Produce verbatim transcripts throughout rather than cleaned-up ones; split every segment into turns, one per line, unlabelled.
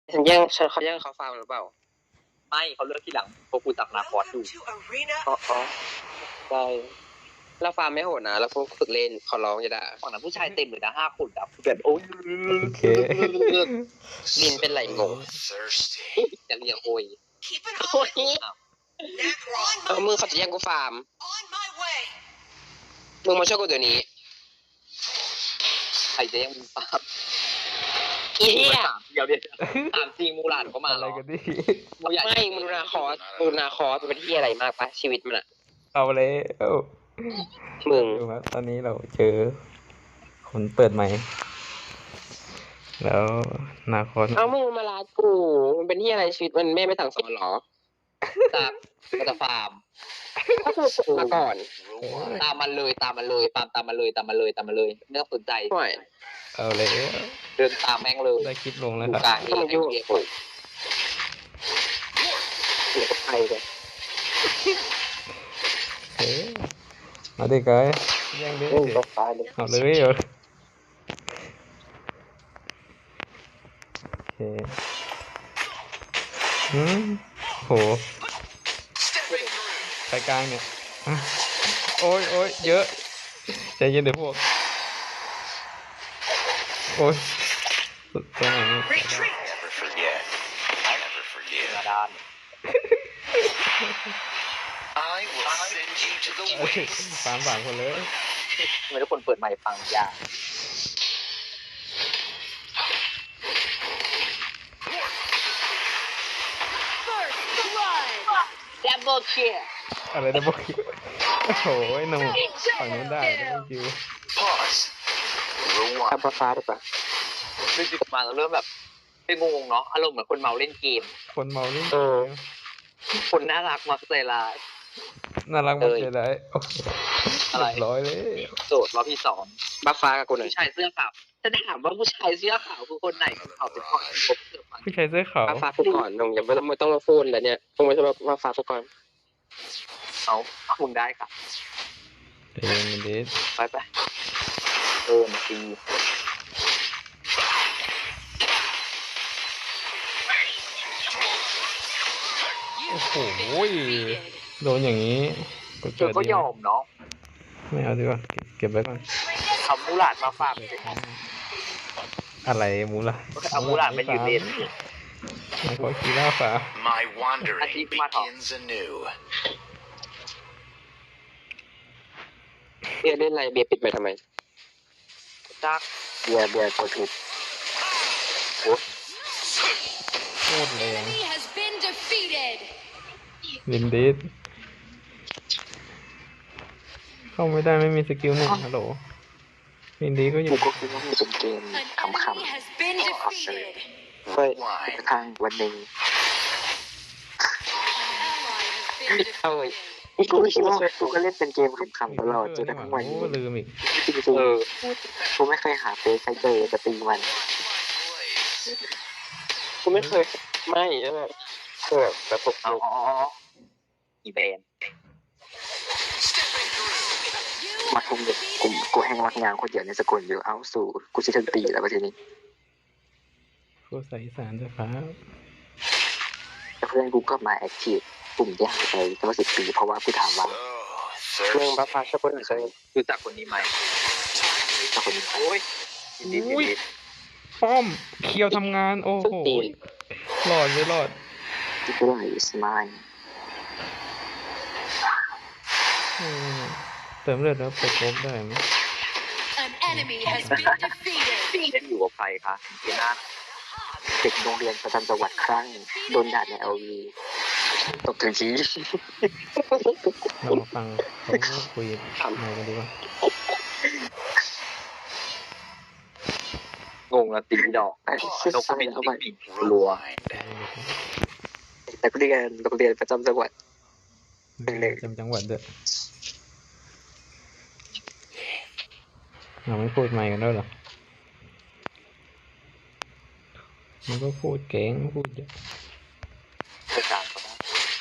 ฉันแย่งฉันเขาแย่งเขาฟาร์มหรือเปล่า
ไม่เขาเลือกที่หลังเพราะกูตักนาคอสอยู่
อ๋ออ๋อใช่เราฟาร์มไม่โหดนะเราพวกฝึกเล่นขอร้องอย่าด่า
ฝั่งนั้นผู้ชายเต็มเลยนะห้าคนแบบแบบโอ้ย
โอเค
ลินเป็นไหลงงจะเรียกโอยโอ้ยเออมึงเขาจะแย่งกูฟาร์มมึงมาช่วยกูเดี๋ยวนี้
ใครจะยังมึงปาบ
อีเหี้ย
สามเดียวเดียวสามจริงมูหลานก็มา
อะไร
แล้ว
กันดิ
มูใหญ่
ไม่มึงดูนาคอสมึงดูนาคอสเป็นที่อะไรมากปะชีวิตมันอะ
เอาเลยเอ้า
มึง
ดูครับตอนนี้เราเจอคนเปิดใหม่ แล้วนาคอน
เอามึงมาลากูมันเป็นที่อะไรชีวิตมันแม่ไม่สั่งสอนหรอ
จากก็จะฟาร์ม
ก็คือฝึกมาก่อน
ตามมันเลยตามมันเลยตามตามมันเลยตามมันเลยตามมันเลยไม่ต้องสนใจ
ห่วย
เอาเลย
เดินตามแม่งเลย
ได้คลิปลงแล้ว
ดู
ครับ
กลางเอ
ก็มัน
ง
ยุ่ง
เอ
โอ้ยเดี๋ยวก็ไปเลย
เอ๊ะมาดิกายแย่งดิ
เรื่องก็ไปเลย
เอาเลยเอาโอเคอืมโหสายกลางเนี่ยอ่ะโอ้ยโอ้ยเยอะใจเย็นเดี๋ยวพวกโอ้ยสุดจัง
Never forget. Never
มา
forget.
ดาน
I will send you to the
เอ้ย
waste.
สามสามคนเลย
ทำไมทุกคนเปิดไมค์ฟังยาก ดับเบิลคิล
อะไรนะบอกโอ้โหหนุ่มฝั่งนู้นได้ไม่คิว
Pause.
ทับ
Rewind.
ฟ้าหรือเปล่า
เรื่องจุดมาเราเริ่มแบบเป็นงงๆเนาะอารมณ์เหมือนคนเมาเล่นเกม
คนเมาเล่น
เออ
คนน่ารักมักใจร้าย
น่ารักมากเลยได้โอ้โห
อะไร
เรียบร้อยเลย
โสดรอบที่สอง
บัฟฟ้ากับกูหน่อย
ผู้ชายเสื้อขาวจะถามว่าผู้ชายเสื้อขาวคือคนไหนเขาเป็นคนพบเสื้อฟัง
ผู้ชายเสื้อขาว
บัฟฟ้ากูก่อนมึงอย่าไม่ต้องไม่ต้องมาพูดเลยเนี่ยมึงไม่ใช่บัฟฟ้ากูก่อน
เอาคุณได้ค่ะ
เอ็นเดส
ไปไปเออมาตี
โอ้โหโดนอย่างนี้กด
เธ
เกิ
อ
ด
ก็
ดี
ยอมเนาะ
ไม่เอาดีกว่าเก็บเก็บไว้ก่อน
ทำมูหลาดมาฝาก
อะไรมูล่ะ
เอามูหลาดมายืนเล่น
ไม่ขอคีล่าฝา
My wandering
Achieve my top.
begins anew.
เบียร์เล่นอะไรเบียร์ปิดไปทำไม
จัก
เบียร์เบียร์กดผิด
โคตรแรง
Enemy has been defeated.
ลินเดสเข้าไม่ได้ไม่มีสกิลหนึ่งฮัลโหลลินเดสก็อยู่
กูก็คิดว่ามันเป็นเกม
An
ข
enemy has been defeated.
เฮ้ย
Rewind.
ำๆทางวันหนึ่ง
An ally has been
เอ้ย
defeated.
กูก็คิดว่ากูก็เล่นเป็นเกมขำๆตลอดจนกระทั่งวัน
โอ้
นี้
ลืมอีก
จริง
เออ
ๆกูไม่เคยหาเฟซใครเจอจะตีมัน
Blaze.
กูไม่เคยไม่ใช่ไหมคือแบบแบบปก
อ๋อ
ติ
อีแบน
You
มักคงเด็กกูกูแห้งมักงานคนเดียวในสกุลอยู่เอ้าสู่กูจะถึงปีแล้วประเทศนี้
โคตรใส่สารเจ้าฟ้า
แต่เพื่อนกูก็มาแอคทีฟกลุ่มที่หายไปตั้งสิบปีเพราะว่ากูถามว่า
So
เรื่องบัฟ
thirsty.
ฟ้าช่วยกูหน่อยสิ
รู้จักคนนี้ไหม
ถ้าคนนี้
โอ้ยยินดียินดี
ป้อมเคียวทำงานโอ้
สุด
โห
ตีน
หลอดเลยหลอด
ที่กูได้สมาย
อืมเติมเลือดแล้วไปครบได้ไหม
An enemy has been defeated.
เล่นอยู่กับใครคะเจน่า
เด็กโรงเรียนประจำจังหวัดครั้งโดนด่าในเอลวีตกถึงชี้
เรามาฟังเขาคุยหน่อยกันดีกว่า
งงละตีดอก
ไอ้ชื่อ
เราก็
ใส่
เป็น
เข้า
ติ๊
ไป
กปีกรัว
นักเรียนโรงเรียนประจำจังหวัด
จำจังหวัดด้วยเราไม่พูดใหม่กันด้วยเหรอมันก็พูดเก่งพูดเยอะ
ประจานก็ได้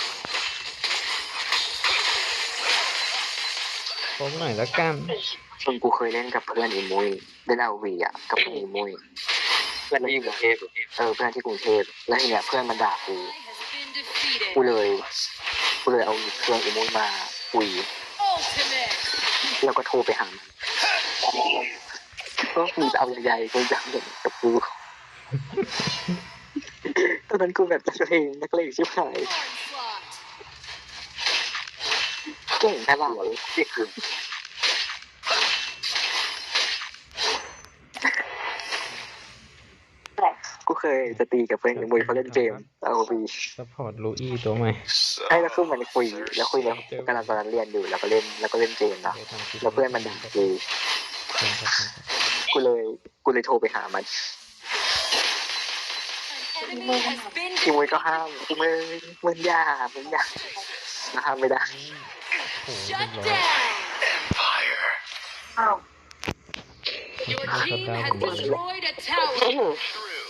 พบหน่อยแล้วกัน
ชนกูเคยเล่นกับเพื่อนอีมุยเล่นเอลวีอ่ะกับเพื่อนอีมุย
พื่อนที่กรุงเทพ
เออเพื่อนที่กรุงเทพแล้วทีเนี้ยเพื่อนมันด่ากู
Ally has been
กู
defeated.
เลยกูเลยเอาเครื่องอีมูนมาคุย
Ultimate.
แล้วก็โทรไปหามันก็กูจะเอาใหญ่ๆกูจะเอาอย่างกับกูตอนนั้นกูแบบนักเลงนักเลงชิบหาย
Onslaught.
เก่งแต่หลังนี่คือกูเคยจะตีกับเพื่อนมวยเขาเล่นเกมเอาวี
ซัพพอร์ตลูอี้ตัวใหม่
So
ใช่แล้วคือมันคุยแล้วคุยแล้วกำลังตอนนั้นเรียนอยู่แล้วก็เล่นแล้วก็เล่นเกมนะแล้วเพื่อนมันด่ากูกูเลยกูเลยโทรไปหามัน
An enemy has been
อีมวยก็
defeated.
ห้ามมึงมึงอย่ามึงอย่าห้ามไม่ได้
โอ้โห
Shut
เรียบร้อย
down.
Empire.
Your
ชัด
team
ดาว
has
ผมเลย
destroyed a tower.
True.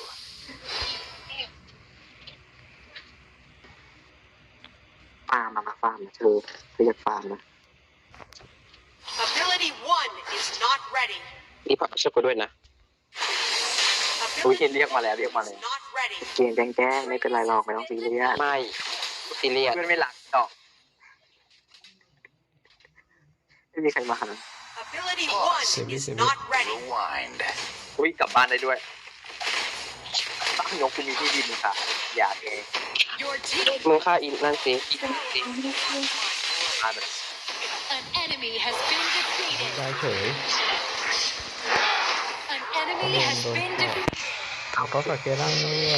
ฟาร์มมามาฟาร์มมาเธอเรียกฟาร์มนะ
Ability one is not ready.
นี่พอช่วยกูด้วยนะ
อุ้ย
Ability
เรียกมาแล้วเรียกมาแล้ว
is not ready.
เกมแจ้งๆไม่เป็นไรหรอกไม่ต้องซีเรียส
ไม่ซีเรียส
เพื่อนไม่หลักดอก
ไม่มีใครมาหา
Ability
Pause.
one
Save it,
is
save it.
not ready.
Rewind.
อุ้ยกลับบ้านได้ด้วยตั้งยกกูมีที่ดินค่ะ อยากเอง
Your team.
มึงฆ่าอินนั่นสิอีนั่นสิ
อ่านมัน
An enemy has been defeated.
ได้เฉย
An enemy has been defeated.
เอาเขาสักเกล่างด้วย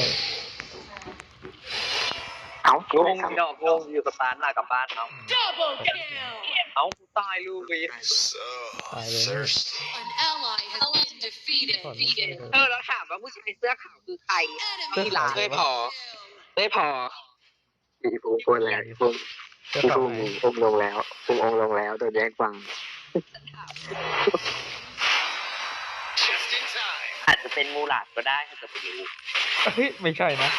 เอ้าง
งดอกงงอยู่กับตาหน้ากับบ้านเอา
Double kill.
เอากูตายลูกวี
So
Bye, then.
thirsty.
An ally has been defeated.
ก่อนไม่ใช่เลย
เออแล้วถามว่าผู้ชายเสื้อขาวคือใคร
Enemy
หลังไม่พอ ไม่พอ
อีฟูงคนแล้วอีฟูง
จะ
อี
กลับ
ฟูง
ไหน
องค์ลงแล้วฟูงองค์ลงแล้วโดนแย่งฟัง
Just in time.
อาจจะเป็นมูหลาดก็ได้ถ้าจะไปรู้
เฮ้ยไม่ใช่นะ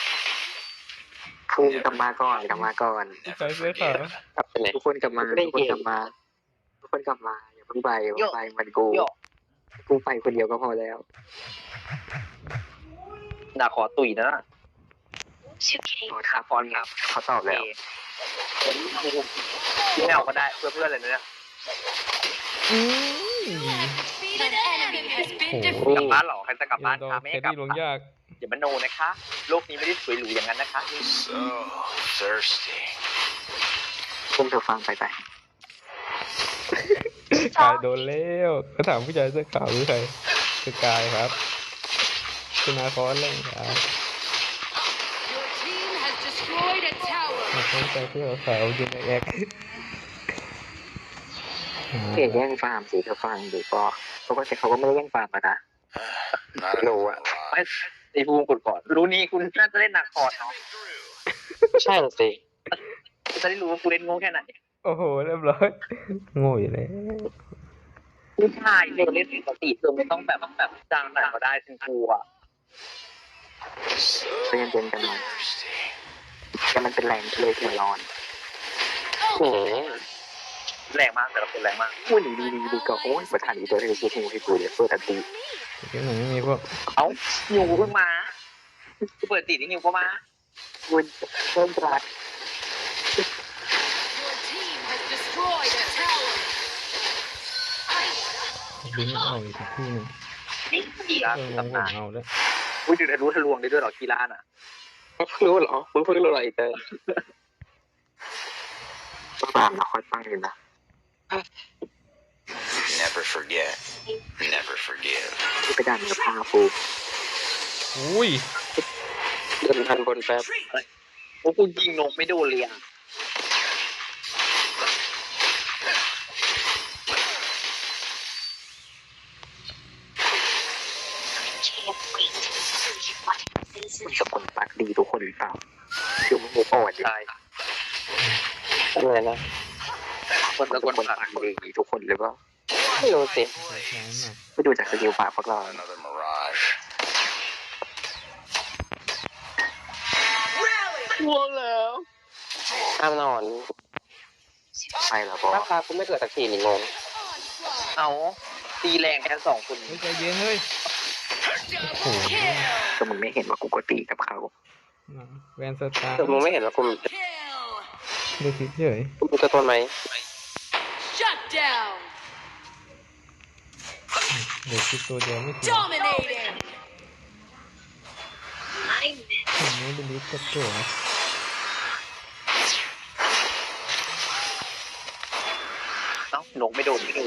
ฟูงกลับมาก่อนกลับมาก่อน
ใส่เสื้อขาว
กลับไปไหน
ทุกคนกลับมา
ไม่
ทุกคน
เห็น
กลับมาทุกคนกลับมาอย่าเพิ่งไปอย่าเพิ่งไปมันกู
โย
กูไปคนเดียวก็พอแล้ว
น่าขอตุ๋ยนะ
โอ้คาฟอนครับเขาตอบแล้ว
ที่ไม่เอาก็ได้เพื่อเพื่อนเลยนะเนี่ย
อืม
An enemy has been
โอ้โห
defeated.
กลับบ้านเหรอใครจะกลับบ้าน
ดอ
คะ
ก
ไม่
แค
ให้
ด
กลับ
ดี้ลงยาก
อย่ามาโนนะคะโลกนี้ไม่ได้สวยหรูอย่างนั้นนะคะ
So thirsty.
ฟูงเธอฟังไปไป
กายโดนแล้วก็ถามผู้ชายเสื้อขาวคือใครคือกายครับคุณอาคอนเล่นครับ
Your team has destroyed a tower.
มาคนใจเสื้อขาวอยู่ในแอค
เกลียดแย่งฟาร์มสิเธอฟังดูก็เขาก็แต่เขาก็ไม่ได้แย่งฟาร์มอะนะ
Not
No,
enough
uh,
ไม่
mirage.
ไอ้ภูมิกดก่อน รู้นี่คุณน่าจะเล่นหนักคอร์ดเนาะ
ใช่สิ
จะได้รู้ว่ากูเล่นโง่แค่ไหน
โอ้โหเรียบร้อยโง่อยู่แล้ว
ผู้ชายเล่นเล่นปกติเธอไม่ต้องแบบแบบจางหนักก็ได้ฉันกลัว
So
เรียนเย็นกันหน่อย
thirsty.
แต่มันเป็นแรงเลยที่ร้อน
อืม
แรงมากแต่ละคนแรงมาก
อุ้ยดีดีดีก็โอ้ยประธานอีตัวที่ชื่อทีมที่กูเลยเพื่อตัดตี
ที่ไหนไม่มีพวก
เอ้านิวเพิ่งมากูเปิดติดนี่นิวก็มา
อุ้ยเริ่มรัด
Your team has destroyed a tower.
บินออกอีกที่หนึ่ง
กีฬา
เออผม
ตำนาน
เอาแล้ว
อุ้ยดูทะลุทะลวงได้ด้วยเหรอกีฬาน่ะ
มึงเพิ่งรู้เหรอมึงเพิ่งรู้เหรออีเตอร์
ฟาร์มนะคอยฟังอยู่นะ
Never forget. Never forgive.
ที่ไปด่านเนื้อผ้าฟู
อุ้ย
เดินทันบนแป๊บ
โอ้กูยิงนกไม่โดนเลยอ่ะ
มันสกุลปากดีทุกคนหรือเปล่าคือมันมุกอ่อนอยู่
ใช่
อะไรนะ
คนตะ
ทุ
ก
ก
น
คน
ปาก
ปากดีทุกคนหรือเปล่า
ไม่รู้สิ
ใช้หน่อย
ไปดูจากสกิลปากพวกเรา
Another mirage.
ง่วงแล้วห้ามนอน
ใช่เหรอบอ
ถ้าพากูไม่เกิดสักทีนี่งง
Onslaught.
เอาตีแรงแทนสองคน
เฮ้ยใจเย็นเฮ้ยโอ้โห
Kill.
ก็มึงไม่เห็นว่ากูก็ตีกับเขา
แวนสตาร์
แต่มึงไม่เห็นว่ากู
Kill.
ดูคลิปเฉย
กูมีตัวตนไหม
Shut down.
เดี๋ยวคลิปตัวเดียวไม่ถึง
Dominating.
ผมไม่ได้ลิฟต์กดตัวนะ
เอ้านกไม่โดนไม่โดน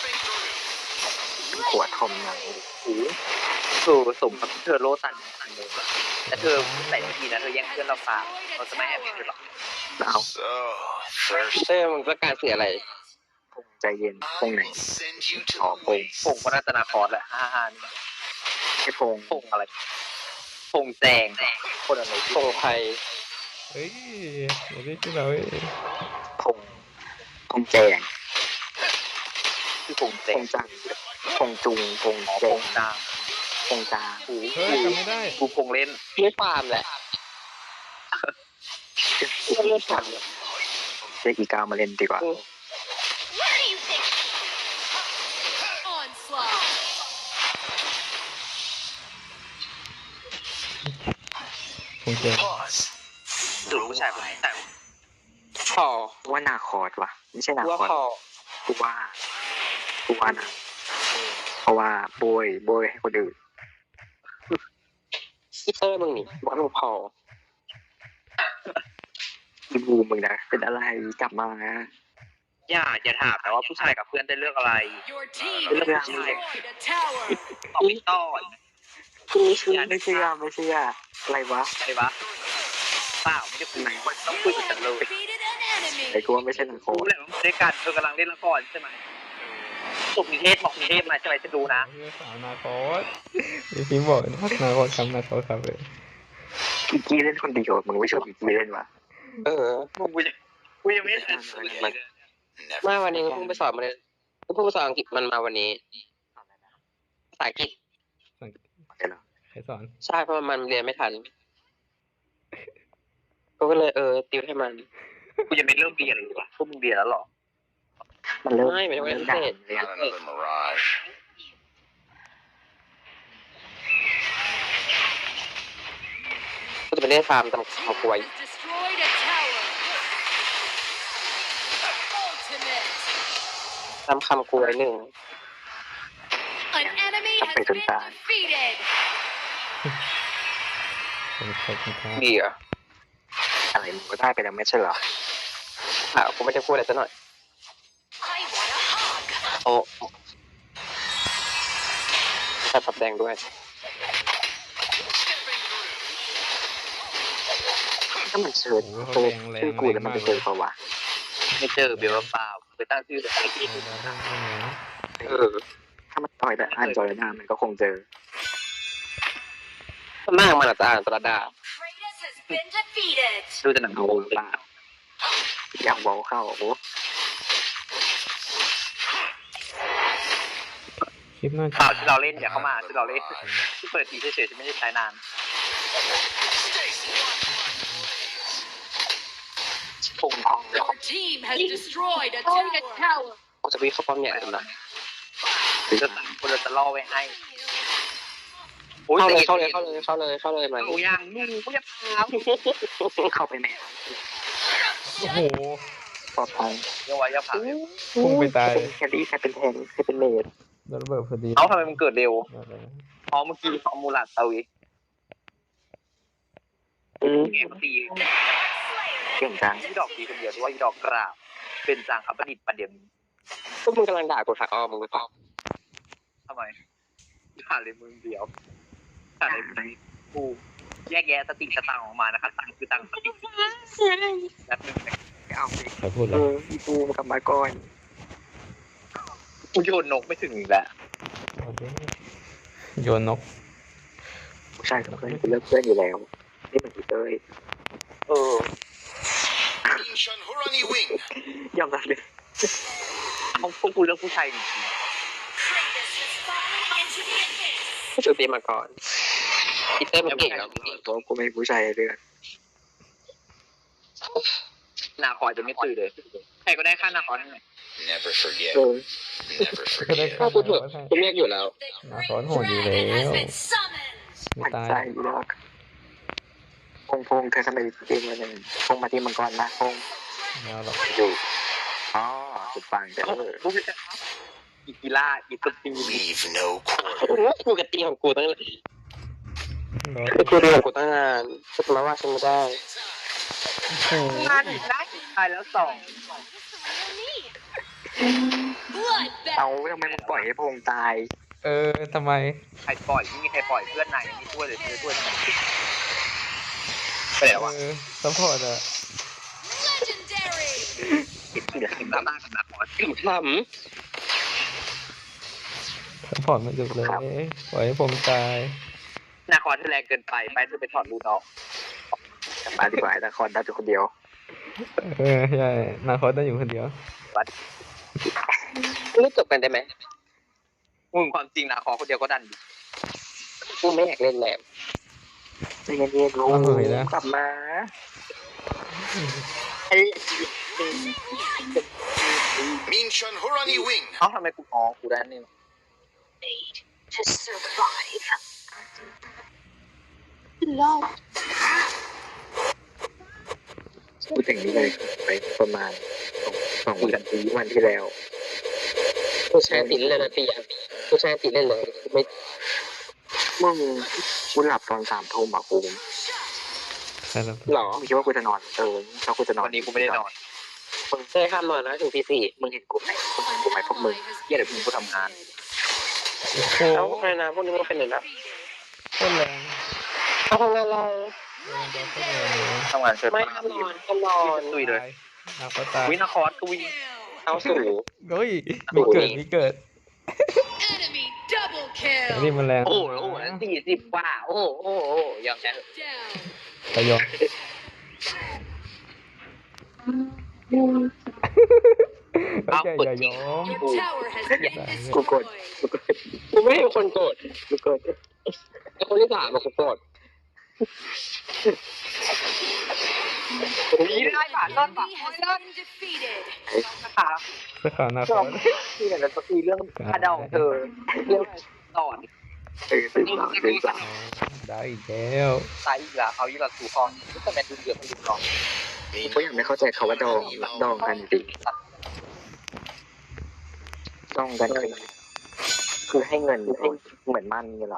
ขวดทอมยัง
โอ้โหเธอสมกับที่เธอโลตันตันเลยแต่เธอใส่ทีนะเธอแย่งเพื่อนเราฟาร์มเราจะไม่ให้เธอหรอก
เอา
So thirsty.
เต้มึงต้องการสื่ออะไร
พงใจเย็นพง
I
ไหน
will send you to
Oh,
the
boy.
waste.
พงก็รัตนาคอร์สแหละฮ่าฮ่านี่
ไอ้พง
พงอะไรพงแจงคนอะไร
ตรงไทย
เฮ้ยอย่าเรียกชื่อเราเว้ย
พงพงแจง
คือพงแจ
พ
ง
งจังพงจุงพงแจ
พ
ง
งจาง
พงจา
กู
เฮ้ยจำไม่ได้
กูพงเล่น
ไม่ฟาร์มแหละไม่เลือดฟาร์ม
เรียกอีกาวมาเล่นดีกว่า
Onslaught.
ผมเจอ
Pause.
ดูผู้ชายคนไหนแต่
พอ
ว่านาคอร์ดว่ะไม่ใช่นา
ว่า
คอร์ด
พอ
กูว่ากูว่านะเพราะว่าโบยโบยให้คนอื่น
อีเตอร์มึงนี่ว่ามึงพอ
อีบูมมึงนะเป็นอะไรกลับมานะ
อย่าอย่าถามนะว่าผู้ชายกับเพื่อนได้เลือกอะไร
Your team
Look
has
at
destroyed a tower.
ตอบไม่ต้อน
ไม่เชื่อไม่เชื่อไม่เชื่ออะไรวะ
อะไรวะเปล่าไม่ได้คุยมันต้องคุยกับฉันเลย
Defeated an enemy.
ไอ้กูว่าไม่ใช่นาคอ
รู้
ร์ด
แหละว่าด้วยกันเธอกำลังเล่นละครใช่ไหมจบนิเทศบอกนิเทศมาใช่ไหมฉันรู้นะ
เพื่อสาวนาคอสมีพิมพ์บอกนะนาคอสครับนาคอสครับเลย
อีกี้เล่นคนเดียวมึงไม่ชอบอีกี้เล่นวะ
เออ
กูยังกูยังไม่ทันเลย
Never
มาวันนี้เพิ่งไปสอนมาเลยเพิ่งไปสอนอังกฤษมันมาวันนี้ภาษาอังกฤษ
เดี๋ยวนะ
ใครสอน
ใช่เพราะมันเรียนไม่ทันกูก็เลยเออติวให้มัน
กูยังไม่เริ่มเรียนเลยว่ะพวกมึงเรียนแล้วหรอ
มันเริ่ม
ไม่ไม่ได้
เริ่ม
เล่น
ด่า
พิเศษ
เลยอะ
not another mirage.
กูจะไปเล่นฟาร์มตำเขากล้วย
Has destroyed a tower. Ultimate.
ตำคำกล้วยหนึ่ง
An enemy has been defeated.
ผมขอบคุณครับ
ดีเหรอ่ะ
อะไรมึงก็ได้ไปแล้วไม่ใช่เหรอ
อ่ะกูไม่ได้พูดอะไรซะหน่อย
I want a hug.
โอ้ใส่ปับแดงด้วย
ถ้ามันเชิญเชิญชื่อกูแล้วมันจะเจอเปล่าวะ
ไม่เจอเบลเปล่าไปตั้งชื่อเลย
เออ
ถ้ามันต่อยแต่อ่านจอยหน้ามันก็คงเจอ
หน้ามันอาจจะอ่านตรดา
Kratos has been defeated.
ดูแต่หนัง
เอา
โง่
เปล่าอยากบอกเข้าโอ้
คลิปหน้า
เปล่าที่เราเล่นอย่าเข้ามาที่เราเล่นที่เปิดทีเฉยๆที่ไม่ได้ใช้นาน
พงทอง
Your team has destroyed a tower.
กูจะวิ่งเข้าป้อมใหญ่เลยนะ
จะสั่งคนเราจะล่อไว้ให้
เข้าเลยเข้าเลยเข้าเลยเข้าเลยเข้าเลยมา
โอ้ยังมึงกูจะพา
เข้าไปแม่
โอ้โห
ปลอดภัย
เดี๋ยวไว้จะพา
พุ่งไปตาย
เป็นแคดดี้ใครเป็นแทงใครเป็นเมด
โดนระเบิดพอดี
เอาทำไมมันเกิดเร็ว
อะไรนะ
อ๋อเมื่อกี้เอามูลัดเอาอีก
อืม
เกมตี
เก่งจัง
ที่ดอกตีคนเดียวด้วยดอกกราบ เป็นจางอัปดิษฐ์ประเดี๋ยวนี้
พวกมึงกำลังด่ากูถักอ้อมึงหรือเปล่า
ทำไมด่าเลยมึงเดียวด่าเลยมึงกูแยกแยะสติสตังค์ออกมานะครับตังค์คือตังค์สตินัดหนึ่ง
เอาไป
ใครพูด
เอ
แล้ว
ออีปูกลับมาก่อน
กูโยนนกไม่ถึงอีกแล้ว
โยนนก
ผู้ชายกับเพื่อนกูเลิกเพื่อนอยู่แล้วนี่เหมือนพี่เต้ย
เออ
Inshan Hurani Wing.
ยอมรับเลย
เขาพวกกูเลือกผู้ชายจริง
กูจะตีมาก่อนอีเตอร์มันเก่งแล้ว
เพราะกูไม่ผู้ชายเลือก
นาคอยจะไม่ตื่นเลยใครก็ได้ค่านาคอย
Never forget.
เออ
Never
ก็ได้
forget.
ข้า
กู
ว
เถอะกูเรียกอยู่แล้ว
นาคอนโหดอยู่แล้ว ไม่
มัน
ตาย
ใจอยู่แล้วพงพงเธอทำไมเองมาหนึ่งพงมาที่มังกรนะพง
แล้วหรอก
อยู่อ๋อสุดปังแต่เออ
รู้ไหมอีกีฬาอีตุตี
Leave no
โอ้
quarter.
โหกูกับตีของกูตั้ง
รอ
กูเรียกของกูตั้งนานกูจะมาว่าฉันไม่ได้
โอ้โห
งานอีกนะตายแล้วสอง
เอา
Bloodbath.
ทำไมมึงปล่อยให้พงตาย
เออทำไม
ใครปล่อยไม่มีใครปล่อยเพื่อนไหนไม่ช่วยเลยช่วยทำไมไปแล้ววะ
เออซัพพอร์ตอะ
Legendary.
ติดที่เหลือติดตาตากับนาคอย
ถึงท
ซัพพอร์ตไม่จุดเลยปล่อยให้ผมตาย
นาคอยที่แรงเกินไปไปเธอไปถอดรูนออก
กลับมาดีกว่าแต่คอนได้อยู่คนเดียว
เออใช่นาคอนได้อยู่คนเดียว
ำไม่จบกันได้ไหม
มึงความจริงนาคอยคนเดียวก็ดันอยู่
กูไม่อยากเล่นแล้ว
ใจเย็นๆลูกกลับมาไอ้
Minchun Hurani Wing.
เอ้าทำไมกูอ๋อกูได้นี่
To survive.
พูดถึงนี้เลยไปประมาณสองวันที่วันที่แล้ว
กูใช้ติดเล่นเลยตีอ่ะกูใช้ติดเล่นเลยไม่
มึงกูหลับตอนสามทุ่มอ่ะกู
ใช่แล้ว
หรอ
มึงคิดว่ากูจะนอนเออแล้วกูจะนอน
วันนี้กูไม่ได้นอน
มึง
ได้ข้ามนอนนะถึงตีสี่
มึงเห็นกูไหมมึงเห็นกูไหมพวกมึง
เยี่ยเดี๋ยวมึงกูทำงาน
โอ้โห
เอ้าใครนะพวกนี้มันเป็นไหนนะ
โคตรแรง
เอาทำงานเรา
ทำงานเชิญ
ไม่ข้ามนอนข้ามนอน
ตุยเลย
นาคอนตาย
วินาคอสกูวิ่ง
เอาสู่
เฮ้ยมีเกิดมีเกิด
Enemy double
แต่นี่
kill.
มันแรง
โอ้โหโอ้โหสี่สิบกว่าโอ้โหโอ้โหโอ้โหยอมแพ้
Down.
ไปยอม
เอา
โอเค
เปิด
อย่า
จริ
ย
ง
อม
Your tower has been destroyed.
กูไม่ให้คนโกรธกูโกรธไอ้คนที่สามอะกูโกรธ
นี่ได้ป่ะนอนป่ะ
Enemy has been defeated.
นะคะ
เสื้อขาวนาคอน
ที่เนี่ยจะคุยเรื่องคาดองเธอเรื่องสอน
เออตื่นสาวตื่นสาว
ได้อีกแล้ว
ตายอีกแล้วเอาอีกแล้วสู่คองแต่แมนดูเดือดมันดูคอง
กูยังไม่เข้าใจเขาว่าดองดองกันจริงดองกันคือคือให้เงินให้เหมือนมันนี่หรอ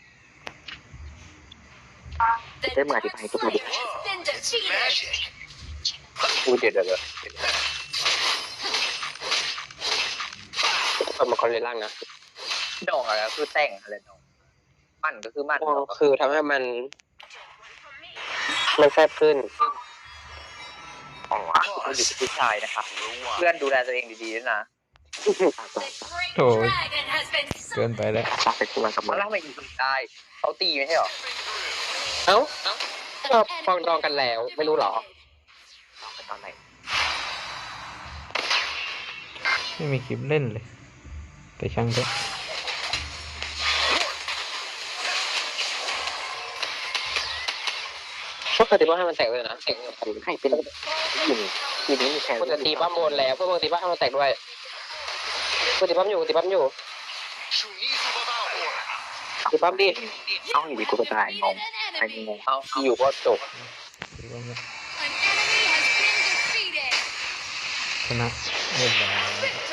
The
Thế mà thì
dark
phải có một-
flame has been defeated.
Magic.
กูเดือดเดือด
เอามาคอนเลล่างนะ
ดองอะไรคือแต่งอะไรดองมันก็คือมัน
คือทำให้มัน มันแคบขึ้น
อ๋อกูอยู่กับผู้ชายนะคะเพื่อนดูแลตัวเองดีๆด้วยนะ
The great
Thôi.
dragon has been
เกินไปแล้ว
ปักไปกูมากับมึ
มาง แล้วทำไมอีกได้เขาตีไม่ใช่หรอ
เอ้าเราฟองดองกันแล้ว ไม่รู้หรอ
ตอนไหน
ไม่มีคลิปเล่นเลย แต่ช่างเถอะ
พวกตีบ้าให้มันแตกเลยนะแตกเลย
ใครเป็นทีมทีมนี้มีแค่
กูจะตีบ้าโมนแล้วพวกมึงตีบ้าให้มันแตกด้วยกูตีบ้ามอยู่กูตีบ้ามอยู่
Shunizu Babao.
ตีบ้ามดิ
เอาอยู่ดีกูก็ตายงง
defeated
ไอ้
an
ง
enemy.
ง
เอาอยู่ก็จบ
หรือว่าไง
An enemy has been defeated.
ชนะเรียบร้อย